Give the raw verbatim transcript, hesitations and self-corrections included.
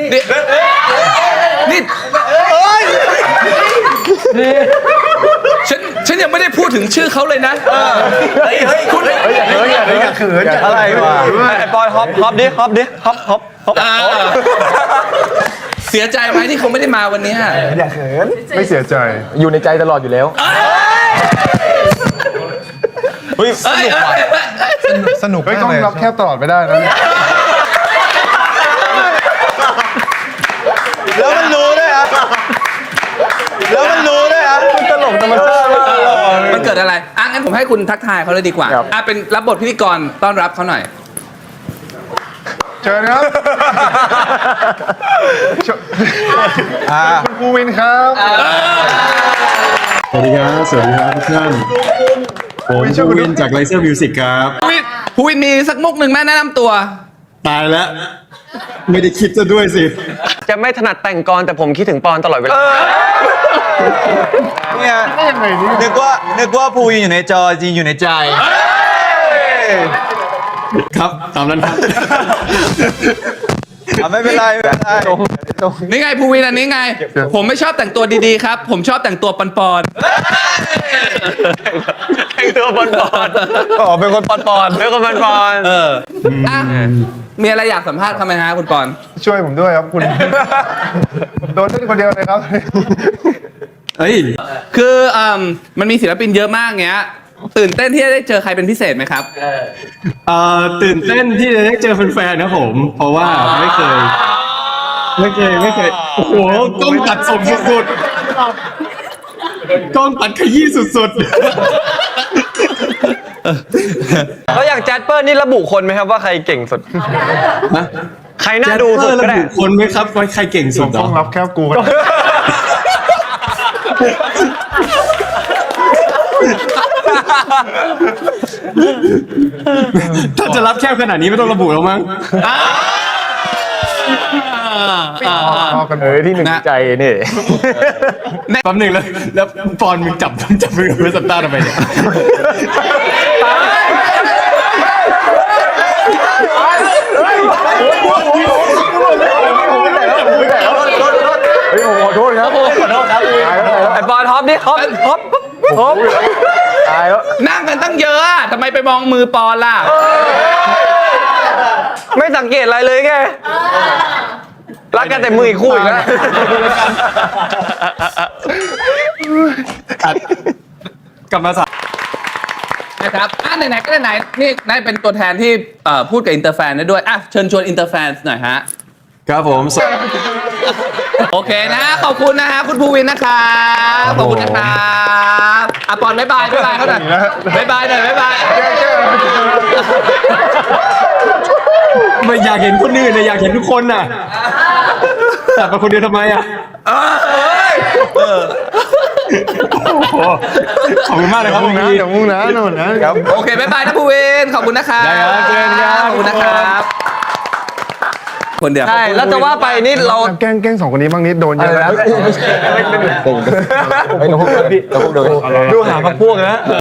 นี่นี่ฉันฉันยังไม่ได้พูดถึงชื่อเขาเลยนะเฮ้ยเฮ้ยคุณเฮ้ยอย่าเขินอย่าเขินอย่าเขินอะไรวะไอ้ปอยฮอปฮอปดิฮอปดิฮอปฮอปฮอปเสียใจไหมที่เขาไม่ได้มาวันนี้อย่าเขินไม่เสียใจอยู่ในใจตลอดอยู่แล้วเฮ้ยสนุกว่ะสนุกเฮ้ยมากต้องเลยรับแคบตลอดไม่ได้นะแล้วมันรู้ด้วยอ่ะแล้วมันรู้ด้วยอ่ะมันตลกธรรมชาติมากมันเกิดอะไรอ่ะงั้นผมให้คุณทักทายเขาเลยดีกว่าอ่ะเป็นรับบทพิธีกรต้อนรับเขาหน่อยเชิญครับคุณภูวินครับสวัสดีครับ สวัสดีครับทุกท่านผมภูวินจากไลเซอร์มิวสิกครับภูวินภูวินมีสักมุกหนึ่งแม่แนะนำตัวตายแล้ว ไม่ได้คิดจะด้วยสิจะไม่ถนัดแต่งกรแต่ผมคิดถึงปอนตลอดเวลาเนี่ยนึกว่านึกว่าภูวินอยู่ในจอจริงอยู่ในใจครับ ตามนั้นครับไม่เป็นไรไม่เป็นไรนี่ไงภูวินอันนี้ไง ผมไม่ชอบแต่งตัวดีๆครับ ผมชอบแต่งตัวปอนๆแต่งตัวปอนปอนอ๋อเป็นคนปอนปอนเป็นคนปอนปอนเอออ่ะมีอะไรอยากสัมภาษณ์เขาไหมฮะคุณปอนช่วยผมด้วยครับคุณ โดนเล่นคนเดียวเลยครับเอ้ยคืออืมมันมีศิลปินเยอะมากเงี้ย ตื่นเต้นที่จะได้เจอใครเป็นพิเศษไหมครับเอ่อตื่นเต้นที่จะได้เจอแฟนๆนะผม เพราะว่าไม่เคย ไม่เคยไม่เคย โอ้โหกล้องตัดสมสุดๆกล้องตัดขยี้สุดๆแล้วอย่างแจ๊ดเปอร์นี่ระบุคนไหมครับว่าใครเก่งสุดนะใครน่าดูสุดก็ได้ระบุคนไหมครับว่าใครเก่งสุดเหรต้อองรับแคบกูกันถ้าจะรับแคบขนาดนี้ไม่ต้องระบุแล้วมั้งพอกันเออที่หนึ่งใจนี่แป๊บหนึ่งแล้วแล้วปอนมึงจับจับมือกับเพื่อนสตาร์ทำไมเนี่ยเฮ้ยผมขอโทษครับขอโทษครับไอ้ปอนฮอปดิฮอปฮอปฮอปตายแล้วนั่งกันตั้งเยอะอะทำไมไปมองมือปอนล่ะไม่สังเกตอะไรเลยแกรักกันแต่มืออีกคู่อีกแล้วกลับมาสานะครับอ่ะไหนๆก็ไหนๆนี่นายเป็นตัวแทนที่เอ่อพูดกับอินเตอร์แฟนได้ด้วยอ่ะเชิญชวนอินเตอร์แฟนหน่อยฮะครับผมสโอเคนะ ขอบคุณนะฮะคุณภูวินนะครับขอบคุณนะครับอ่ะปอนบ๊ายบายบ๊ายบายเขาหน่อยบ๊ายบายหน่อยบ๊ายบายไม่อยากเห็นคนอื่นนะอยากเห็นทุกคนน่ะแต่มาคนเดียวทำไมอ่ะขอบคุณมากเลยครับมุ่คุงณนะพี่เดี๋ยวมุ่งนะโน่นนะครับโอเคบ๊ายบายนะภูวินขอบคุณนะครับได้ครับเจอกันครับขอบคุณนะครับคนเดียวใช่แล้วจะว่าไปนี่เราแกล้งแกล้งสองคนนี้บ้างนิดโดนเยอะแล้วไม่ใช่ไม่ใช่ไม่ใช่ไม่ใช่ดูหาพวกนะ